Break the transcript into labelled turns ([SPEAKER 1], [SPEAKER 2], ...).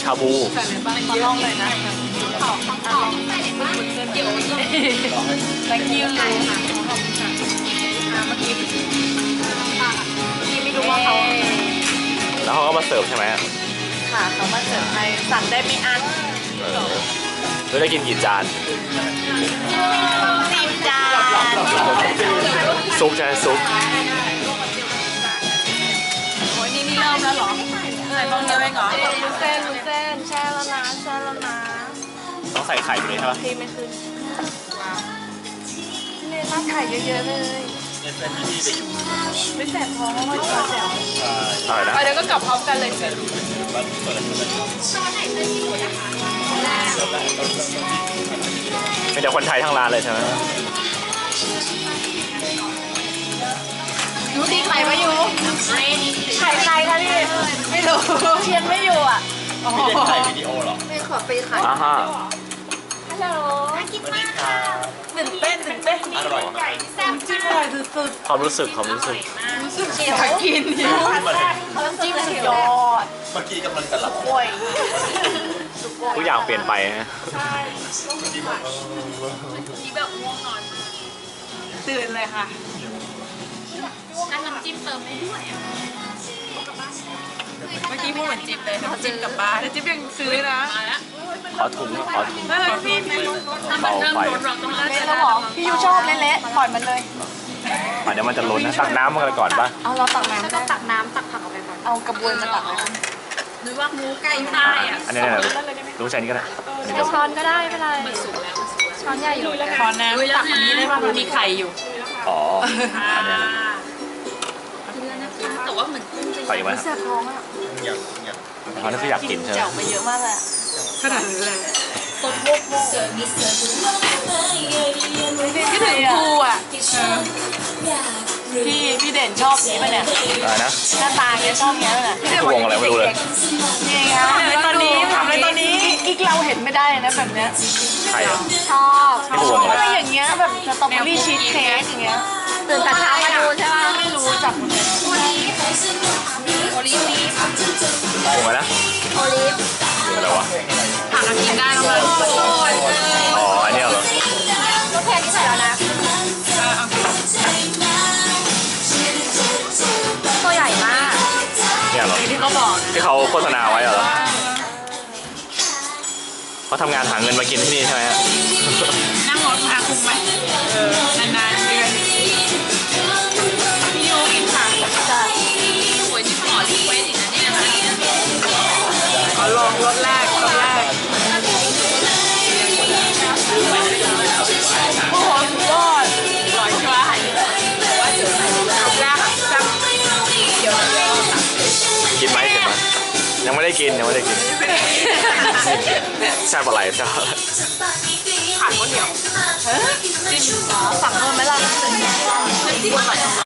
[SPEAKER 1] ชาบู
[SPEAKER 2] ใส่ในบ้านขอลองเลยนะเดี๋ยว thank you เลยค่ะขอบคุณค่ะเมื่อกี้ไม่รู้ว่าเขา
[SPEAKER 1] แล้วเขาก็มาเสิร์ฟใช่ไหม
[SPEAKER 2] ค่ะเขามาเสิร์ฟให้สั่งได้ไม่อั้น
[SPEAKER 1] เราได้กินกี่จาน
[SPEAKER 2] 10 จาน
[SPEAKER 1] ซุปใช่ไหมซุป
[SPEAKER 2] โอ้ยนี่เริ่มแล้วเหรอใส่บ้างเลยเหรอลูเส้นแช่แล้วนะแช่แล้วนะ
[SPEAKER 1] ต้องใส่ไข่อยู่นี่ใช่ปะ
[SPEAKER 2] พี่ไม่ขึ้นเนี่ยราดไข่เยอะๆเลยไม่แสบท้องไม่แสบ
[SPEAKER 1] อะไรนะ
[SPEAKER 2] เดี๋ยวก็กลับพร้อมกันเลยสิ
[SPEAKER 1] เป็นแต่คนไทยทั้งร้านเลยใช่ไหม
[SPEAKER 2] ยูตีไข่มาอยู่ไข่ใครคะพี่ไม่รู้เชียนไม่อยู่อ่ะไม่ได้ถ่ายวิดีโอหรอไม่ขอไปถ่าย
[SPEAKER 1] อ่าฮะ
[SPEAKER 2] ฮัลโหลน่ากินมากค่ะตื่นเต้น
[SPEAKER 1] อร่อย
[SPEAKER 2] แซ่บจิ้มอร่อยสุด
[SPEAKER 1] ความรู้สึก
[SPEAKER 2] ๆอยากกินน้ำจิ้มสุดยอด
[SPEAKER 3] เมื่อกี้กำลังจะหลับ
[SPEAKER 2] โอ้ย
[SPEAKER 1] ทุกอย่างเปลี่ยนไปนะ
[SPEAKER 2] ตื่นเลยค่ะ
[SPEAKER 4] น้ำจิ้มเติมได้ด้วยอ่ะ
[SPEAKER 2] เมื่อกี้พูดเหมือนจิ๊บเลยน้ำจิ้มกลับบ้านแล้วจิ๊บยังซื้อนะ
[SPEAKER 4] มาแล้ว
[SPEAKER 1] ขอถุงขอถุง
[SPEAKER 2] นั่นเลยพี่
[SPEAKER 4] ถ้ามันเริ่มลดเราต้อง
[SPEAKER 2] เละแล้วหรอพี่ยูชอบเละๆปล่อยมันเลย
[SPEAKER 1] เดี๋ยวมันจะล้นนะตักน้ำมันก่อนป่ะ
[SPEAKER 2] เอาเราตักน้ำ
[SPEAKER 4] ต้
[SPEAKER 2] ได้
[SPEAKER 4] องตักน้ำตักผักออกไปก่อน
[SPEAKER 2] เอากระบวยมาตักเลย
[SPEAKER 4] หรือว่าหมูไก่ใต้อ่ะ
[SPEAKER 1] อันนี้เนี่ยรู้ใช้นี่ก็ได้
[SPEAKER 4] ใช้ช้อนก็ได้ไม่เป็นไรมันสุกแล้วช้อนใหญ่อยู่แล้ว
[SPEAKER 2] ขอน้ำตักอันนี้ได้ป่ะมันมีไข่อยู่
[SPEAKER 1] อ๋ออันนี้นะ
[SPEAKER 4] กินแล้วนะคะแต่ว่าเหมือนกุ้งจะ
[SPEAKER 1] ใส่ไหม
[SPEAKER 2] แสบท้องอ่ะ
[SPEAKER 1] เขาน่าจะอยากกินใช่ไหม
[SPEAKER 2] แจ่วไปเยอะมากเลยขนาดนี้เลย
[SPEAKER 4] สดมุก
[SPEAKER 2] คิดถึงครูอ่ะพี่เด่นชอบนี้ป่ะเนี่ย
[SPEAKER 1] อะไรนะ
[SPEAKER 2] หน้าตาแกชอบเงี้ยป่ะเนี่ย
[SPEAKER 1] นี่คือวงอะไรไม่รู้เลย
[SPEAKER 2] นี่ไงทำอะไรตอนนี้อีกเราเห็นไม่ได้นะแบบเนี้ย
[SPEAKER 1] ใครอ่ะ
[SPEAKER 4] ชอบ
[SPEAKER 1] นี่คือวงอะไร
[SPEAKER 2] อะไรอย่างเงี้ยแบบสตรอเบอรี่ชีสเค้กอย่างเงี้ย
[SPEAKER 4] ตื่นแต่เช้ามาดูใช่ป่ะ
[SPEAKER 2] ไม่รู้จักหมดเลย
[SPEAKER 4] โอลิฟ
[SPEAKER 1] วงอะไรนะ
[SPEAKER 4] โอลิฟ
[SPEAKER 1] วงอะไรวะ
[SPEAKER 2] ผักกินได้แล้วมั้ง
[SPEAKER 1] อ๋ออันนี้เหรอ
[SPEAKER 4] รสแพงที่ใส่แล้วนะตัวใหญ่มาก
[SPEAKER 1] เนี่ยเหรอ
[SPEAKER 2] ที่เขาบอก
[SPEAKER 1] ที่เขาโฆษณาไว้เหรอเขาทำงานหาเงินมากินที่นี่ใช่ไหมฮะ
[SPEAKER 2] นั่งรถพาคุ้มไหมนานๆเดือนพี่โยกินผักจะ
[SPEAKER 4] โอ้ยนี่ขอรีเควสอีกนะเนี่ยนะ
[SPEAKER 2] ขอลองรสแรกโอ้โหสุดยอดอร่อยใช่ไหมรสแรกจัง
[SPEAKER 1] กินไหมกินไหมยังไม่ได้กินแซ่บอะไรแซ่บ
[SPEAKER 2] ขาดข้าวเหนียวจิ้มสั่งเพิ่มไหมล่ะ